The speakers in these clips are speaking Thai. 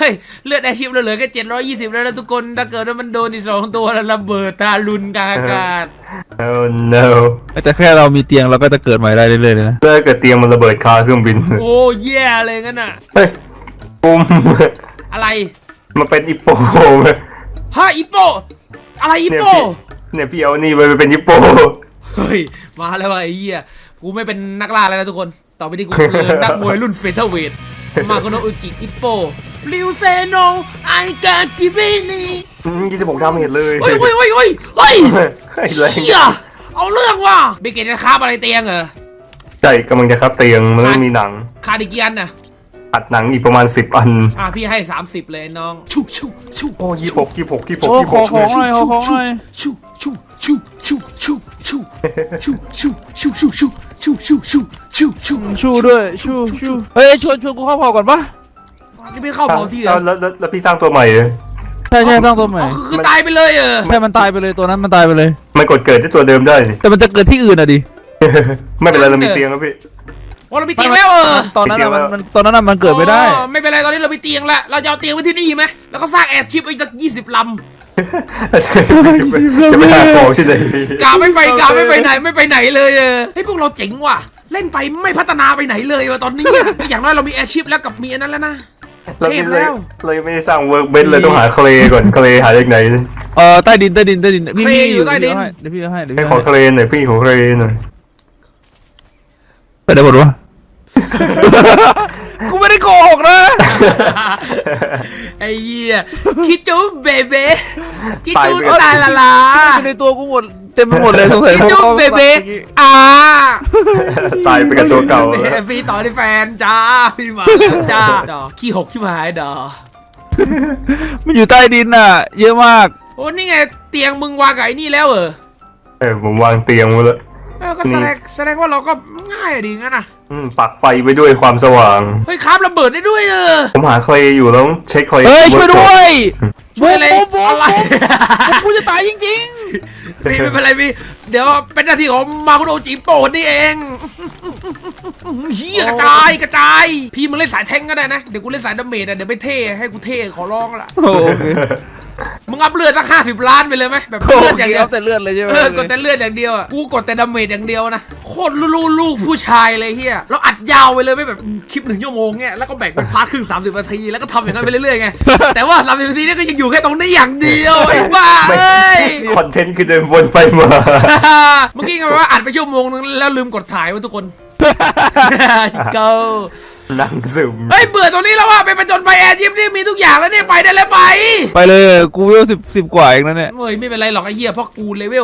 ฮ้ยเลือดแอร์ชิปเหลือแค่720แล้วนะทุกคนถ้าเกิดว่ามันโดนที่2ตัวแล้วระเบิดทารุณกลางอากาศ Oh no แต่แค่เรามีเตียงเราก็จะเกิดใหม่ได้เรื่อยๆเลยนะถ้าเกิดเตียงมันระเบิดคาเครื่องบินโอ้แย่เลยงั้นน่ะเฮ้ยปุ้มอะไรมันเป็นอิปโปฮะอีโปอะไรอีโปเนี่ยพี่เอานี่ไปเป็นอิปโปเฮ้ยมาแล้วว่ะไอ้เหี้ยกูไม่เป็นนักล่าแล้วนะทุกคนต่อไปที่กูคือนักมวยรุ่นเฟเธอร์เวทมาโคโนะอุจิอิโปริวเซโนไอกากิบินี 26 ดาเมจเลยเฮ้ยเฮ้ยแรงเหี้ยเอาเรื่องว่ะเบเกตจะคาบอะไรเตียงเหรอใช่กำลังจะครับเตียงมันต้องมีหนังคาดิเกียนน่ะอัดหนังอีกประมาณ10 อันพี่ให้30เลยน้องชุชุชุโอ้26 โอ้ขอของหน่อยขอของหน่อยชุชุชุชุชุชุชุชุชุชุชุชุชุชุชุชุชูด้วยชูเฮ้ยชวนกูเข้าพอก่อนปะนี่ไม่เข้าเผาที่เหรอแล้วพี่สร้างตัวใหม่เลยใช่สร้างตัวใหม่คือตายไปเลยเหรอแค่มันตายไปเลยตัวนั้นมันตายไปเลยมันกดเกิดที่ตัวเดิมได้นี่แต่มันจะเกิดที่อื่นอ่ะดิไม่เป็นไรเรามีเตียงแล้วพี่โอ้เรามีเตียงแล้วตอนนั้นมันเกิดไม่ได้ไม่เป็นไรตอนนี้เรามีเตียงแล้วเราจะเอาเตียงไว้ที่นี่ไหมแล้วก็สร้างแอร์ชิปอีกสัก20 ลำจะไปหาของที่ไหนกาไม่ไปไหนเลยเฮ้ยพวกเราเจ๋งว่ะเล่นไปไม่พัฒนาไปไหนเลยว่ะตอนนี้อย่างน้อยเรามีแอร์ชิปแล้วกับมีอันนั้นแล้วนะเทพแล้วเรายังไม่ได้สร้างเวิร์กเบนเลยต้องหาเคลก่อนเคลหาจากไหนใต้ดินมีอยู่ใต้ดินเดี๋ยวพี่ให้ให้ขอเคลหน่อยพี่ขอเคลหน่อยไปได้หมดวะ กูไม่ได้โกหกนะไอ้เหี้ยคิดจูเบเบ้คิดจูตาลาในตัวกูหมดเต็มไปหมดเลยสงสัยคิดจูเบเบ้ตายไปกับตัวเก่าพี่ต่อที่แฟนจ้าพี่มาจ้าดอกขี้หกขี้หายดอมันอยู่ใต้ดินอ่ะเยอะมากโอ้นี่ไงเตียงมึงวางกับไอ้นี่แล้วผมวางเตียงไว้แล้วก็แสดงว่าเราก็ง่ายดีงั้นนะปักไฟไปด้วยความสว่างเฮ้ยครับระเบิดได้ด้วยผมหาเคลอยู่แล้วเช็คเคลเฮ้ยช่วยด้วยช่วยอะไรกูจะตายจริงๆพี่ไม่เป็นไรพี่เดี๋ยวเป็นหน้าที่ของมาคุโนะจิโปะนี่เองเฮียกระจายพี่มึงเล่นสายแทงก็ได้นะเดี๋ยวกูเล่นสายดาเมจเดี๋ยวไปเท่ให้กูเท่ขอร้องละมึงอัพเลือดสัก50 ล้านไปเลยไหมแบบเลือดอย่างเดียวแต่เลือดเลยใช่ไหมกดแต่เลือดอย่างเดียวกูกดแต่ดาเมจอย่างเดียวนะโคตรลูกผู้ชายเลยเฮียเราอัดยาวไปเลยไม่แบบคลิป1 ชั่วโมงเงี้ยแล้วก็แบ่งเป็นพาร์ทครึ่ง30 นาทีแล้วก็ทำอย่างนั้นไปเรื่อยๆไงแต่ว่า30 นาทีนี่ก็ยังอยู่แค่ตรงนี้อย่างเดียวไอ้บ้าเอ้ยคอนเทนต์คือเดินวนไปมาเมื่อกี้ไงว่าอัดไปชั่วโมงนึงแล้วลืมกดถ่ายไว้ทุกคนเก้านั่งซึมเฮ้ยเบื่อตรงนี้แล้วว่าไปประจนไปแอร์ชิปนี่มีทุกอย่างแล้วเนี่ยไปได้แล้วไปเลยกูเวลสิบกว่าเองนะเนี่ยเฮ้ยไม่เป็นไรหรอกไอ้เหี้ยเพราะกูเลเวล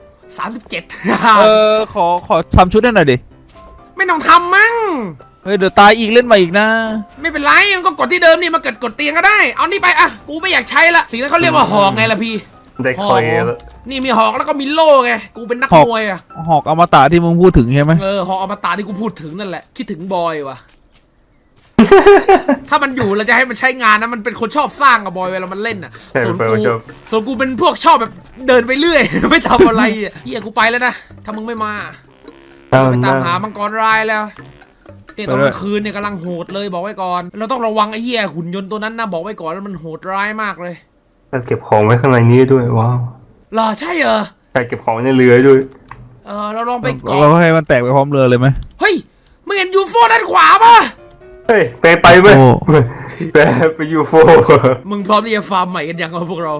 37 ขอทำชุดให้หน่อยดิไม่ต้องทำมั้งเฮ้ยเดี๋ยวตายอีกเล่นใหม่อีกนะไม่เป็นไรมันก็กดที่เดิมนี่มากดเตียงก็ได้เอานี่ไปกูไม่อยากใช้ละสิ่งนั้นเขาเรียกว่าหอกไงล่ะพี่ได้เคลแล้วนี่มีหอกแล้วก็มีโล่ไงกูเป็นนักมวยหอกอมตะที่มึงพูดถึงใช่ไหมหอกอมตะที่กูพูดถึงนั่นแหละคิดถึงบอยว่ะถ้ามันอยู่เราจะให้มันใช้งานนะมันเป็นคนชอบสร้างกับบอยเวลามันเล่นส่วนกูเป็นพวกชอบแบบเดินไปเรื่อยไม่ทำอะไรเฮียกูไปแล้วนะถ้ามึงไม่มาไปตามหามังกรรายแล้วเนี่ยตอนกลางคืนเนี่ยกำลังโหดเลยบอกไว้ก่อนเราต้องระวังไอ้เหี้ยหุ่นยนต์ตัวนั้นนะบอกไว้ก่อนแล้วมันโหดร้ายมากเลยเราเก็บของไว้ข้างในนี้ด้วยว้าวหรอใช่ใช่เก็บของในเรือด้วยเราลองไปเราให้มันแตกไปพร้อมเรือเลยไหมเฮ้ยมึงเห็นยูโฟด้านขวาป่ะเฮ้ยไปไหมไปยูโฟมึงพร้อมที่จะฟาร์มใหม่กันยังพวกเรา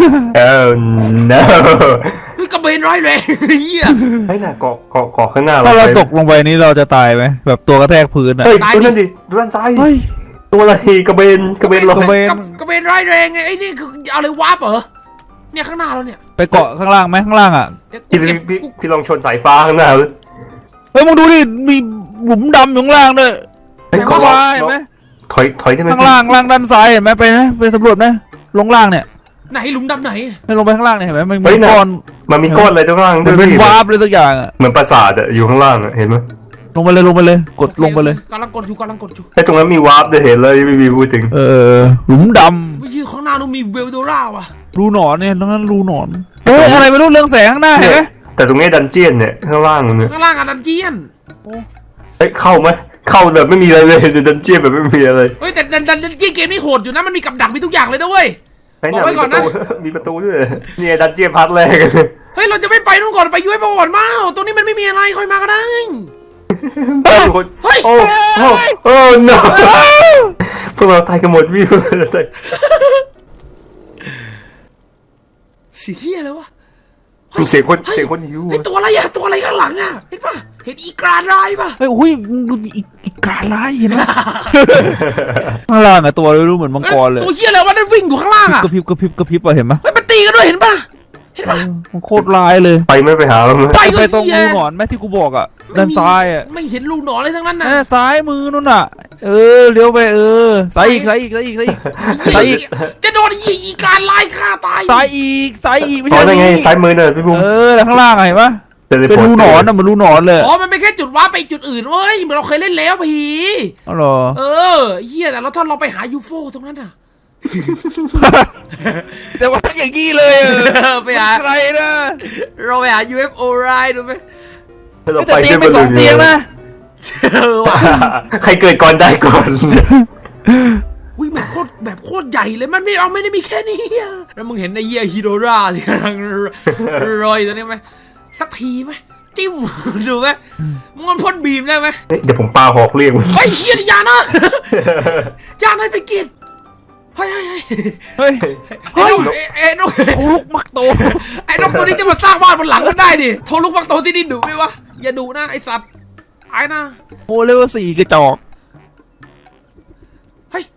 no เฮ้ยกระเบนร้อยแรงเฮียเฮ้ยน่ะเกาะข้างหน้าถ้าเราตกลงไปนี้เราจะตายไหมแบบตัวกระแทกพื้นเฮ้ยดูนั่นดิดูด้านซ้ายตัวอะไรกระเบนลอยกระเบนร้อยแรงไงไอ้นี่คือเอาเลยวาร์ปเหรอเนี่ยข้างหน้าเราเนี่ยไปเกาะข้างล่างไหมข้างล่างอ่ะพี่ลองชนสายฟ้าข้างหน้าเลยเฮ้ยมึงดูดิมีหลุมดำอยู่ข้างล่างด้วยข้างล่างเห็นไหมถอยได้ไหมข้างล่างด้านซ้ายเห็นไหมไปนะไปสำรวจนะลงล่างเนี่ยไหนหลุมดำไหนลงไปข้างล่างเนี่ยเห็นไหมมันมีก้อนมันมีก้อนอะไรข้างล่างมันเป็นวาร์ปเลยสักอย่างอ่ะเหมือนปราสาทอยู่ข้างล่างเห็นไหมลงไปเลยกดลงไปเลยกำลังกดอยู่ไอ้ตรงนั้นมีวาร์ปจะเห็นเลยไม่มีพูดถึงหลุมดำไม่ใช่ข้างหน้านู้นมีเวลโดราว่ะรูหนอนเนี่ยตรงนั้นรูหนอนเฮ้ยอะไรไม่รู้เรื่องแสงข้างหน้าเห็นไหมแต่ตรงนี้ดันเจียนเนี่ยข้างล่างเนี่ยข้างล่างอะดันเจียนเฮ้ยเข้าไหมเข้าแบบไม่มีอะไรเลยดันเจี้ยนแบบไม่มีอะไรเฮ้ยแต่ดันเกมนี่โหดอยู่นะมันมีกับดักมีทุกอย่างเลยนะเว้ย บอกไว้ก่อนนะมีประตูด้วยเนี่ยดันเจี้ยนพาร์ทแรกเฮ้ยเราจะไม่ไปนู่นก่อนไปยูเอฟโอก่อนมาตรงนี้มันไม่มีอะไรค่อยมาก็ได้ เฮ้ยโอ้โอ้ no พวกเราตายกันหมดพี่พวกเราตายเสียเฮียแล้ววะเสียงคนหิวเฮ้ยตัวอะไรอะตัวอะไรข้างหลังอะเห็นปะเห็นอีกราลายปะเฮ้ยอุ้ยมึงดูอีกการร้ายเห็นไหมข้างล่างอะตัวรู้เหมือนมังกรเลยตัวเฮียอะไรวะนั่นวิ่งอยู่ข้างล่างอะกระพริบอะเห็นไหมเฮ้ยมันตีกันด้วยเห็นปะเห็นปะมันโคตรร้ายเลยไปไม่ไปหาแล้วมั้ยไปตรงรูหนอนแม่ที่กูบอกอะด้านซ้ายอะไม่เห็นรูหนอนเลยทั้งนั้นนะแม่ซ้ายมือนู่นน่ะเลี้ยวไปซ้ายอีกจะโดนอีการลายฆ่าตายซ้ายอีกไม่อ๋อใช่นั่นไงซ้ายมือเนี่ยพี่บุ้มแล้วข้างล่างอะเห็นปะเป็นรูหนอนอะเหมือนรูหนอนเลยอ๋อมันไม่แค่จุดว้าไปจุดอื่นเว้ยเหมือนเราเคยเล่นแล้วผีอ๋อเหรอเฮียแต่เราถ้าเราไปหายูโฟตรงนั้นอะแต่ว่าอย่างงี้เลยไปหาใครนะเราไปหา UFO ไรดูไหมแต่เตียงไป2 เตียงนะว่ะใครเกิดก่อนได้ก่อนอุ้ยแบบโคตรใหญ่เลยมันไม่ได้มีแค่นี้อะแล้วมึงเห็นไอ้เหี้ยฮิโดราที่กำลังรอยตัวนี้ไหมสักทีไหมจิ้มดูไหมมึงมันพ่นบีมได้ไหมเดี๋ยวผมปาหอกเรียกมันเฮ้ยเชียร์อย่านะอย่าให้ไปกินเฮ้ยเฮ้ยไอ้นกโอ้ลูกมักโตไอ้นกตัวนี้จะมาสร้างบ้านบนหลังกันได้ดิโทรลูกฟักโตที่นี่ดุไหมวะอย่าดุนะไอ้สัตว์ไอ้นะโอ้เลเวล4กระจอกเฮ้ย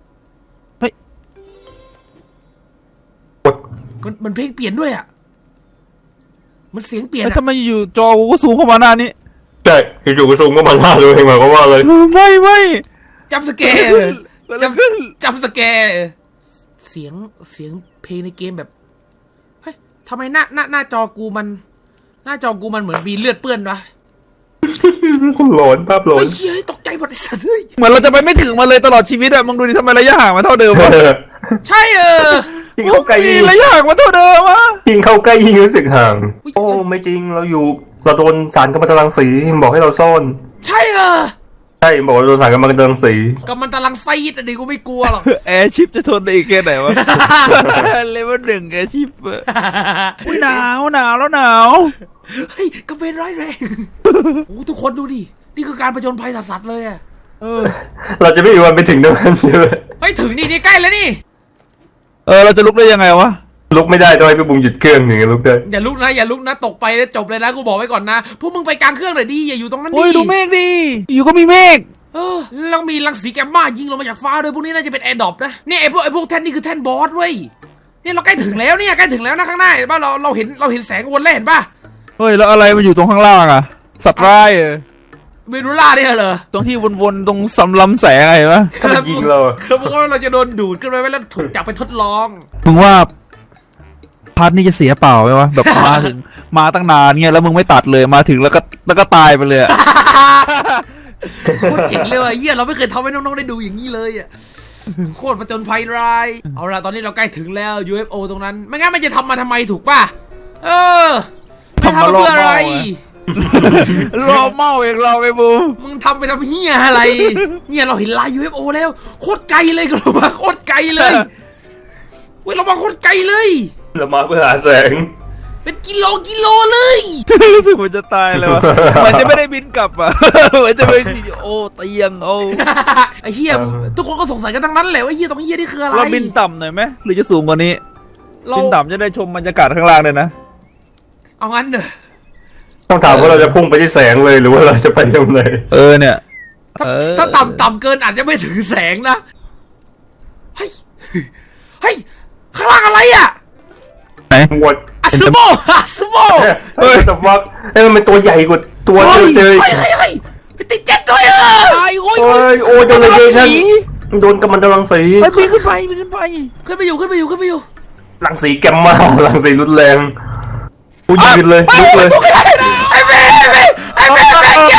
กดมันเพลงเปลี่ยนด้วยอ่ะมันเสียงเปลี่ยนแล้วอะทำไมอยู่จอกูก็สูงเข้ามาหน้านี้ใช่อยู่ๆก็ซูมก็มาล่าเลยหมายความว่าเลยไม่จับสแกร์จับสแกร์เสียงเพลงในเกมแบบเฮ้ยทำไมหน้าจอกูมันเหมือนมีเลือดเปื้อนวะหลอนภาพหลอนเฮ้ยเฮ้ยตกใจหมดไอ้สัตว์เฮ้ยเหมือนเราจะไปไม่ถึงมันเลยตลอดชีวิตอะมึงดูดิทำไมระยะห่างมันเท่าเดิมวะใช่ยิ่งเข้าใกล้มีระยะห่างมันเท่าเดิมวะยิ่งเข้าใกล้ยิ่งรู้สึกห่างโอ้ไม่จริงเราโดนสารกัมมันตรังสีบอกให้เราซ่อนใช่ใช่บอกว่าโดนสารกัมมันตรังสีก็มันตะลังไซด์อะดิกูไม่กลัวหรอกแอร์ชิปจะทนได้อีกแค่ไหนวะ เลเวล1แอร์ชิปอุ้ยหนาวแล้วหนาวเฮ้ยก็เป็นร้ายแรง โอ้ทุกคนดูดินี่คือการผจญภัยสัสๆเลยอะเราจะไม่มีวันไปถึงตรงนั้นใช่ไหมเฮ้ยถึงนี่ใกล้แล้วนี่เราจะลุกได้ยังไงวะลุกไม่ได้ต้องให้พี่บุ๋มหยุดเครื่องหนึ่งลุกได้อย่าลุกนะตกไปแล้วจบเลยนะกูบอกไว้ก่อนนะพวกมึงไปกลางเครื่องหน่อยดิอย่าอยู่ตรงนั้นดิโอ้ยดูเมฆดิอยู่ก็มีเมฆแล้วมีรังสีแกมมายิงลงมาจากฟ้าด้วยพวกนี้น่าจะเป็นแอร์ดรอปนะเนี่ยไอ้พวกแท่นนี่คือแท่นบอสเว้ยเนี่ยเราใกล้ถึงแล้วนะข้างหน้าเห็นป่ะเราเห็นแสงวนแล้วเห็นป่ะเฮ้ยแล้วอะไรมันอยู่ตรงข้างล่างอะสัตว์ร้ายเมดูล่าเนี่ยเหรอตรงที่วนๆตรงสำลำแสงอะไรวะถ้ามันยิงเราคือพวกเราจะโดนดูดขึ้นไปแล้วถูกจับไปทดลองมึงว่าพาร์ทนี้จะเสียเปล่าไหมวะแบบมาตั้งนานเงี้ยแล้วมึงไม่ตัดเลยมาถึงแล้วก็ตายไปเลยอะโคตรเจ๋งเลยว่ะเฮียเราไม่เคยทำให้น้องๆได้ดูอย่างนี้เลยอ่ะโคตรประจนภัยร้ายเอาล่ะตอนนี้เราใกล้ถึงแล้ว UFO ตรงนั้นไม่งั้นมันจะทำมาทำไมถูกป่ะไม่ทำมาเพื่ออะไรรอเมาเองเราไปบูมึงทำไปทำเฮียอะไรเนี่ยเราเห็นลาย UFO แล้วโคตรไกลเลยเรามาโคตรไกลเลยเว้ยเรามาโคตรไกลเลยเรามาเพื่อหาแสงเป็นกิโลเลยรู้สึกเหมือนจะตายเลยวะมันจะไม่ได้บินกลับอ่ะเหมือนจะไปโอ้เตียงโอ้ไอ้เฮียทุกคนก็สงสัยกันทั้งนั้นแหละว่าเฮียตรงเฮียนี่คืออะไรเราบินต่ำหน่อยไหมหรือจะสูงกว่านี้เราบินต่ำจะได้ชมบรรยากาศข้างล่างเลยนะเอางั้นเด้อต้องถามว่าเราจะพุ่งไปที่แสงเลยหรือว่าเราจะไปตรงไหนเนี่ยถ้าต่ำเกินอาจจะไม่ถึงแสงนะเฮ้ยข้างล่างอะไรอ่ะไหนหมดอาซูโม่เฮ้ยแต่ว่ามันเป็นตัวใหญ่กว่าตัวเจอเฮ้ยติดเจ็ตด้วยตายโอ้ยโอ้ยโดนอะไรฉันโดนกัมมันตรังสีไปขึ้นไปขึ้นไปอยู่รังสีแกมมารังสีรุนแรงกูยืนเลยลุกเลยไอ้เบ้แก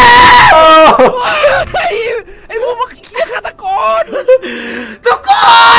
ไอ้พวกมันเขี้ยฆาตกรทุกคน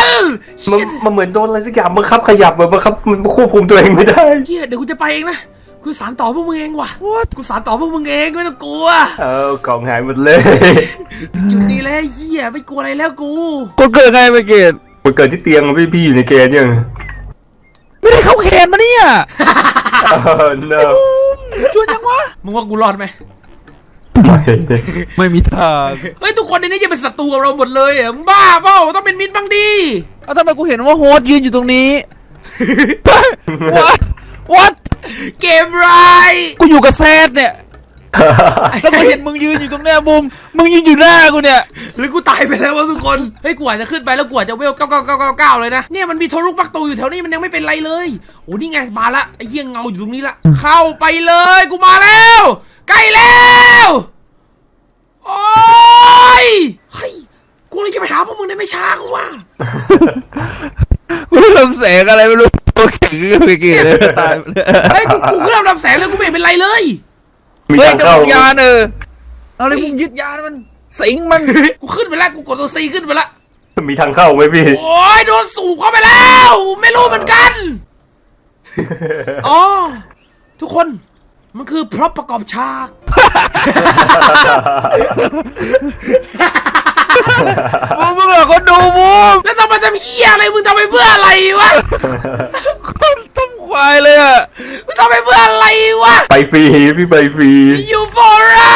มันเหมือนโดนอะไรสักอย่างบังคับขยับบังคับมันควบคุมตัวเองไม่ได้เฮียเดี๋ยวกูจะไปเองนะกูสารต่อพวกมึงเองว่ะกูสารต่อพวกมึงเองไม่ต้องกลัวกล่องหายหมดเลยจุดนี้แล้วเหี้ยไม่กลัวอะไรแล้วกูก็เกิดไงไปเกตมันเกิดที่เตียงพี่อยู่ในเกณฑ์ยังไม่ได้เข้าแคนมาเนี่ย no ชวนยังวะมึงว่ากูรอดไหมไม่ไม่มีทางเฮ้ยทุกคนในนี้จะเป็นศัตรูกับเราหมดเลยอ่ะมึงบ้าเปล่าต้องเป็นมิตรบ้างดิเอาทำไมกูเห็นว่าโฮสต์ยืนอยู่ตรงนี้ what เกมไรกูอยู่กับแซดเนี่ยแล้วกูเห็นมึงยืนอยู่ตรงเนี้ยบุมมึงยืนอยู่หน้ากูเนี่ยหรือกูตายไปแล้ววะทุกคนเฮ้ยกูอาจจะขึ้นไปแล้วกูอาจจะเวล99999เลยนะเนี่ยมันมีโทรุกปักตูอยู่แถวนี้มันยังไม่เป็นไรเลยโอ้นี่ไงมาละไอ้เหี้ยเงาอยู่ตรงนี้ละเข้าไปเลยกูมาแล้วใกล้แล้วโอ้ยเฮ้ยกูเลยจะไปหาพวกมึงได้ไม่ช้ากูว่ากูทำแสงอะไรไม่รู้ตัวแข็งไปเกตเลยตายเฮ้ยกูขึ้นลำแสงเลยกูไม่เห็นเป็นไรเลยมีเฮ้ยทางจะเข้ามึงยานเอาเลยมึงยึดยานมันสิงมันกูขึ้นไปแล้วกูกดตัวซีขึ้นไปแล้วมีทางเข้าไหมพี่โอ้ยโดนสูบเข้าไปแล้วไม่รู้เหมือนกันอ๋อทุกคนมันคือพร็อพประกอบฉากมึงเหรอคนดูบุมแล้วทำไมทำเหี้ยอะไรมึงทำไปเพื่ออะไรวะคนต้องควายเลยอ่ะมึงทำไปเพื่ออะไรวะไปฟรีพี่ไปฟรีอยู่ for